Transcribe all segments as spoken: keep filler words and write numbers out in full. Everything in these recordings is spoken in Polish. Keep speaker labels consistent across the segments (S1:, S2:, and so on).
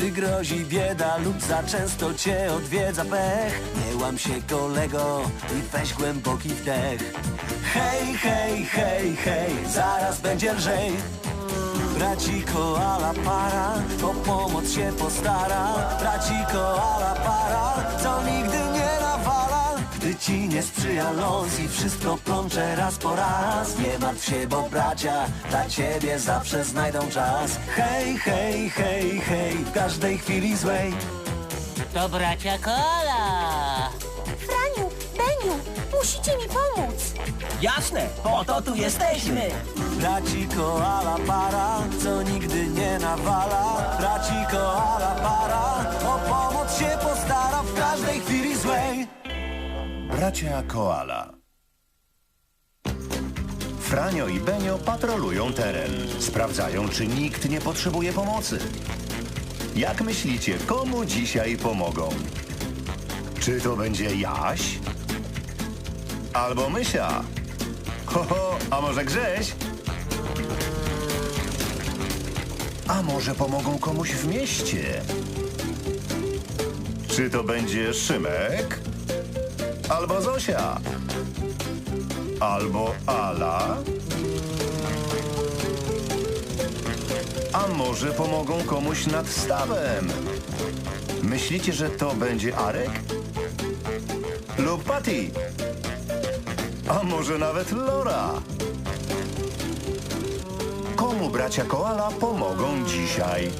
S1: gdy grozi bieda lub za często cię odwiedza pech. Nie łam się, kolego, i weź głęboki wdech. Hej, hej, hej, hej, zaraz będzie lżej. Braci koala para o pomoc się postara. Braci koala para, co nigdy nie nawala. Gdy ci nie sprzyja los i wszystko plącze raz po raz, nie martw się, bo bracia dla ciebie zawsze znajdą czas. Hej, hej, hej, hej, w każdej chwili złej.
S2: To bracia Koala.
S3: Franiu, Beniu, musicie mi pomóc.
S4: Jasne, po to tu jesteśmy.
S1: Braci koala para, co nigdy nie nawala. Braci koala para, o pomoc się postara w każdej chwili złej.
S5: Bracia Koala. Franio i Benio patrolują teren. Sprawdzają, czy nikt nie potrzebuje pomocy. Jak myślicie, komu dzisiaj pomogą? Czy to będzie Jaś? Albo Mysia? Ho, ho, a może Grześ? A może pomogą komuś w mieście? Czy to będzie Szymek? Albo Zosia? Albo Ala? A może pomogą komuś nad stawem? Myślicie, że to będzie Arek? Lub Patty? A może nawet Lora? Komu bracia Koala pomogą dzisiaj?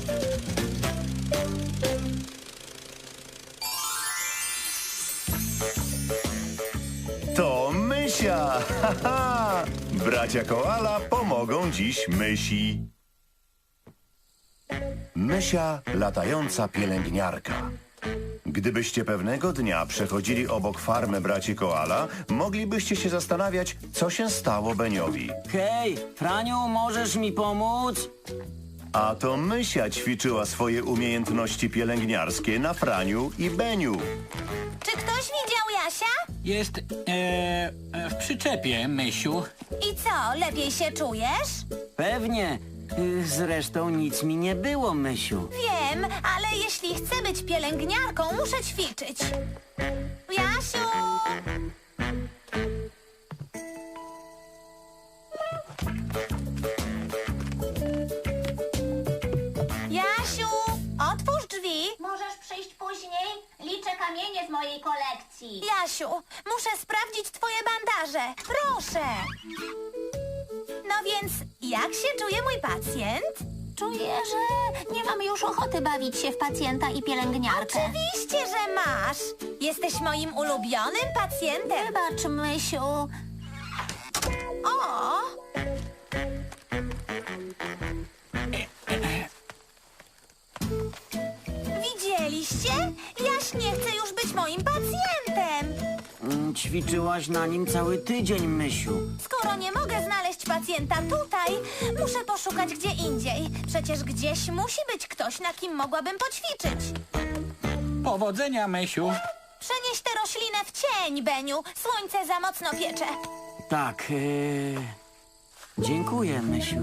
S5: To Mysia! Ha, ha! Bracia Koala pomogą dziś Mysi. Mysia, latająca pielęgniarka. Gdybyście pewnego dnia przechodzili obok farmy braci Koala, moglibyście się zastanawiać, co się stało Beniowi.
S4: Hej, Franiu, możesz mi pomóc?
S5: A to Mysia ćwiczyła swoje umiejętności pielęgniarskie na Franiu i Beniu.
S3: Czy ktoś widział Jasia?
S2: Jest e, w przyczepie, Mysiu.
S3: I co, lepiej się czujesz?
S4: Pewnie. Y, Zresztą nic mi nie było, Mysiu.
S3: Wiem, ale jeśli chcę być pielęgniarką, muszę ćwiczyć. Jasiu! Jasiu, otwórz drzwi.
S6: Możesz przyjść później? Liczę kamienie z mojej kolekcji.
S3: Jasiu, muszę sprawdzić twoje bandaże. Proszę. No więc, jak się czuje mój pacjent?
S6: Czuję, że nie mam już ochoty bawić się w pacjenta i pielęgniarkę.
S3: Oczywiście, że masz. Jesteś moim ulubionym pacjentem.
S6: Wybacz, Mysiu.
S3: O! Widzieliście? Jaś nie chce już być moim pacjentem.
S4: Mm, Ćwiczyłaś na nim cały tydzień, Mysiu.
S3: Skoro nie mogę znaleźć pacjenta tutaj, muszę poszukać gdzie indziej. Przecież gdzieś musi być ktoś, na kim mogłabym poćwiczyć.
S2: Powodzenia, Mysiu.
S3: Przenieś tę roślinę w cień, Beniu. Słońce za mocno piecze.
S4: Tak, y... dziękuję, Mysiu.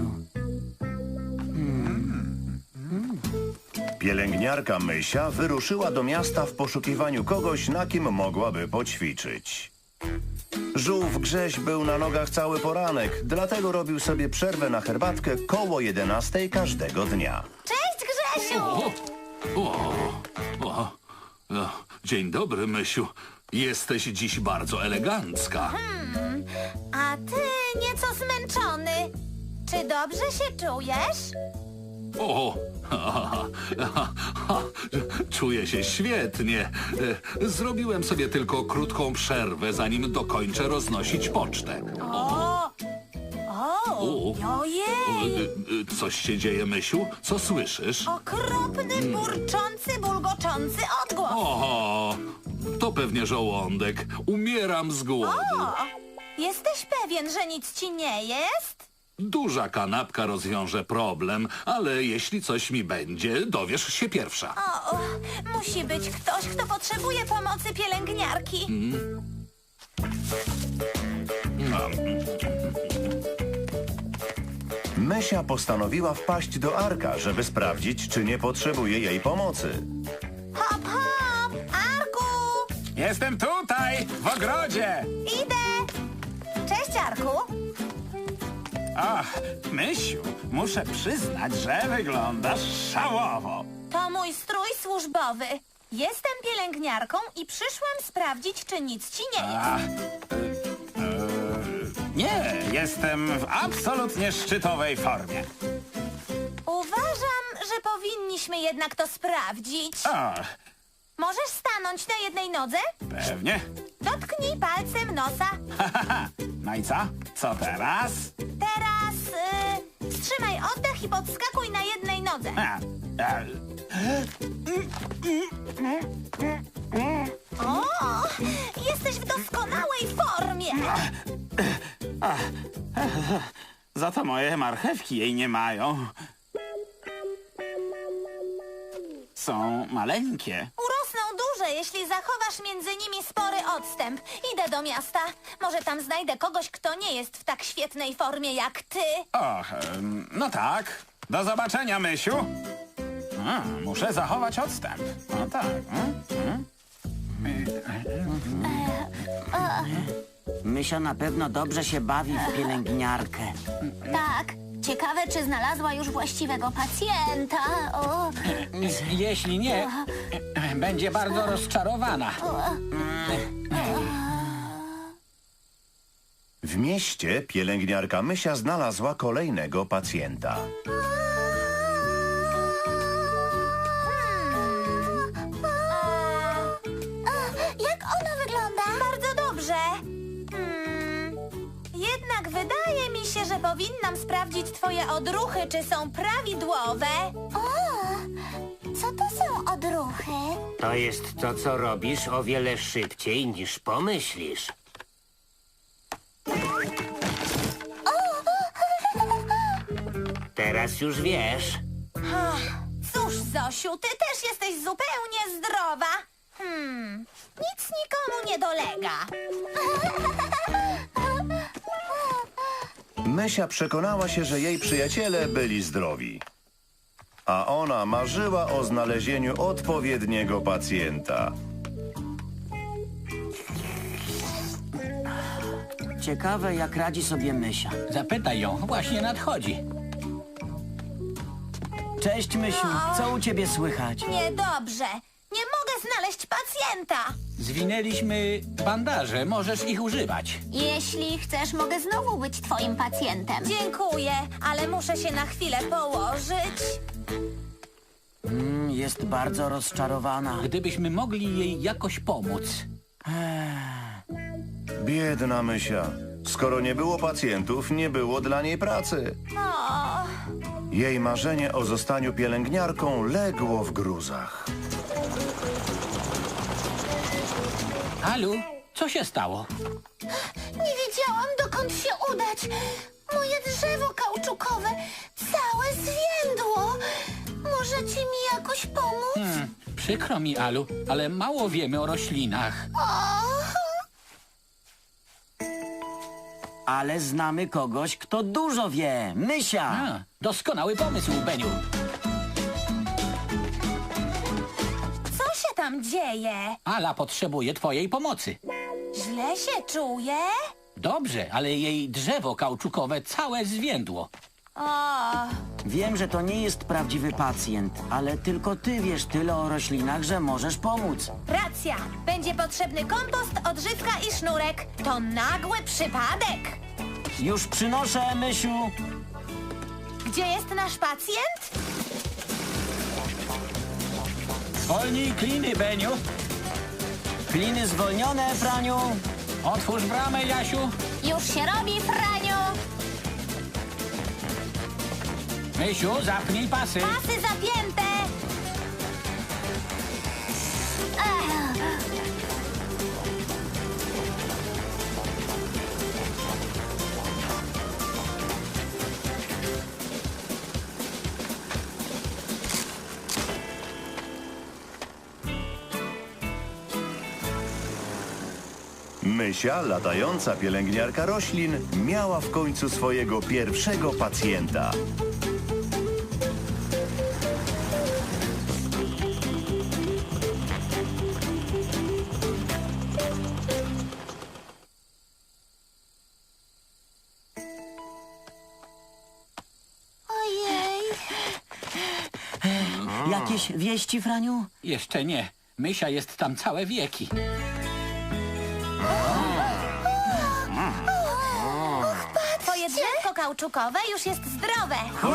S5: Pielęgniarka Mysia wyruszyła do miasta w poszukiwaniu kogoś, na kim mogłaby poćwiczyć. Żółw Grześ był na nogach cały poranek, dlatego robił sobie przerwę na herbatkę koło jedenastej każdego dnia.
S3: Cześć, Grzesiu!
S7: O, o, o, o, dzień dobry, Mysiu. Jesteś dziś bardzo elegancka.
S3: A ty nieco zmęczony. Czy dobrze się czujesz?
S7: O, ha, ha, ha, ha, czuję się świetnie. E, Zrobiłem sobie tylko krótką przerwę, zanim dokończę roznosić pocztę.
S3: O! O!
S7: O.
S3: Ojej!
S7: E, e, Coś się dzieje, Mysiu? Co słyszysz?
S3: Okropny, burczący, bulgoczący odgłos.
S7: O, to pewnie żołądek. Umieram z głodu.
S3: O! Jesteś pewien, że nic ci nie jest?
S7: Duża kanapka rozwiąże problem, ale jeśli coś mi będzie, dowiesz się pierwsza.
S3: O, musi być ktoś, kto potrzebuje pomocy pielęgniarki.
S7: No.
S5: Mysia postanowiła wpaść do Arka, żeby sprawdzić, czy nie potrzebuje jej pomocy.
S3: Hop, hop! Arku!
S2: Jestem tutaj, w ogrodzie.
S3: Idę! Cześć, Arku!
S2: Ach, Mysiu, muszę przyznać, że wyglądasz szałowo.
S3: To mój strój służbowy. Jestem pielęgniarką i przyszłam sprawdzić, czy nic ci nie jest.
S2: Ach, e, e, nie, jestem w absolutnie szczytowej formie.
S3: Uważam, że powinniśmy jednak to sprawdzić.
S2: Ach,
S3: Możesz stanąć na jednej nodze?
S2: pewnie.
S3: Dotknij palcem nosa.
S2: No i co? Co teraz?
S3: Teraz y, wstrzymaj oddech i podskakuj na jednej nodze.
S2: A, a,
S3: O, jesteś w doskonałej formie.
S2: za to moje marchewki jej nie mają. Są maleńkie.
S3: Urosną duże, jeśli zachowasz między nimi spory odstęp. Idę do miasta. Może tam znajdę kogoś, kto nie jest w tak świetnej formie jak ty.
S2: Och, em, no tak. Do zobaczenia, Mysiu. A, muszę zachować odstęp. No tak. mm, mm.
S4: Mysia na pewno dobrze się bawi w pielęgniarkę.
S6: Tak. Ciekawe, czy znalazła już właściwego pacjenta. O,
S2: Jeśli nie, będzie bardzo rozczarowana.
S5: W mieście pielęgniarka Mysia znalazła kolejnego pacjenta.
S3: Jak ona wygląda? Bardzo dobrze. Hmm, jednak wydaje mi się, że powinnam sprawdzić twoje odruchy, czy są prawidłowe.
S6: o, co to są odruchy?
S8: To jest to, co robisz o wiele szybciej niż pomyślisz. Teraz już wiesz.
S3: Ach, cóż, Zosiu, ty też jesteś zupełnie zdrowa. Hmm, nic nikomu nie dolega.
S5: Mysia przekonała się, że jej przyjaciele byli zdrowi. A ona marzyła o znalezieniu odpowiedniego pacjenta.
S4: Ciekawe, jak radzi sobie Mysia.
S2: Zapytaj ją, właśnie nadchodzi.
S4: Cześć, Mysiu. Co u ciebie słychać?
S3: Niedobrze. Nie mogę znaleźć pacjenta.
S2: Zwinęliśmy bandaże, możesz ich używać.
S6: Jeśli chcesz, mogę znowu być twoim pacjentem.
S3: Dziękuję, ale muszę się na chwilę położyć.
S4: Mm, jest bardzo rozczarowana.
S2: Gdybyśmy mogli jej jakoś pomóc.
S5: Biedna Mysia. Skoro nie było pacjentów, nie było dla niej pracy.
S3: O,
S5: Jej marzenie o zostaniu pielęgniarką legło w gruzach.
S2: Alu, co się stało?
S6: Nie wiedziałam, dokąd się udać. Moje drzewo kauczukowe całe zwiędło. Możecie mi jakoś pomóc?
S2: Hmm, przykro mi, Alu, ale mało wiemy o roślinach.
S6: O,
S4: Ale znamy kogoś, kto dużo wie. Mysia!
S2: A, doskonały pomysł, Beniu.
S3: co się tam dzieje?
S2: Ala potrzebuje twojej pomocy.
S3: Źle się czuję?
S2: Dobrze, ale jej drzewo kauczukowe całe zwiędło.
S3: O,
S4: Wiem, że to nie jest prawdziwy pacjent, ale tylko ty wiesz tyle o roślinach, że możesz pomóc.
S3: racja. Będzie potrzebny kompost, odżywka i sznurek. To nagły przypadek.
S4: Już przynoszę, Mysiu.
S3: Gdzie jest nasz pacjent?
S2: Zwolnij kliny, Beniu.
S4: Kliny zwolnione, Franiu.
S2: Otwórz bramę, Jasiu.
S6: już się robi, Franiu.
S2: Mysiu, zapnij pasy.
S3: Pasy zapięte.
S6: Ech,
S5: Mysia, latająca pielęgniarka roślin, miała w końcu swojego pierwszego pacjenta.
S3: Ojej.
S4: Jakieś wieści, Franiu?
S9: Jeszcze nie. Mysia jest tam całe wieki.
S3: Twoje drzewko kauczukowe już jest zdrowe.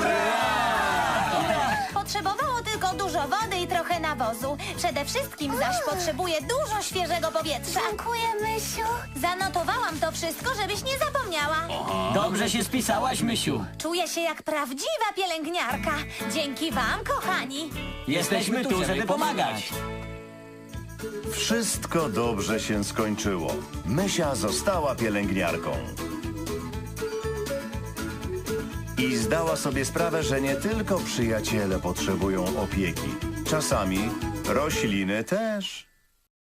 S3: Potrzebowało tylko dużo wody i trochę nawozu. Przede wszystkim zaś potrzebuje dużo świeżego powietrza. Dziękuję, Mysiu. Zanotowałam to wszystko, żebyś nie zapomniała.
S9: Dobrze się spisałaś, Mysiu.
S3: Czuję się jak prawdziwa pielęgniarka. Dzięki wam, kochani.
S9: Jesteśmy tu, żeby pomagać.
S5: Wszystko dobrze się skończyło. Mysia została pielęgniarką. I zdała sobie sprawę, że nie tylko przyjaciele potrzebują opieki. Czasami rośliny też.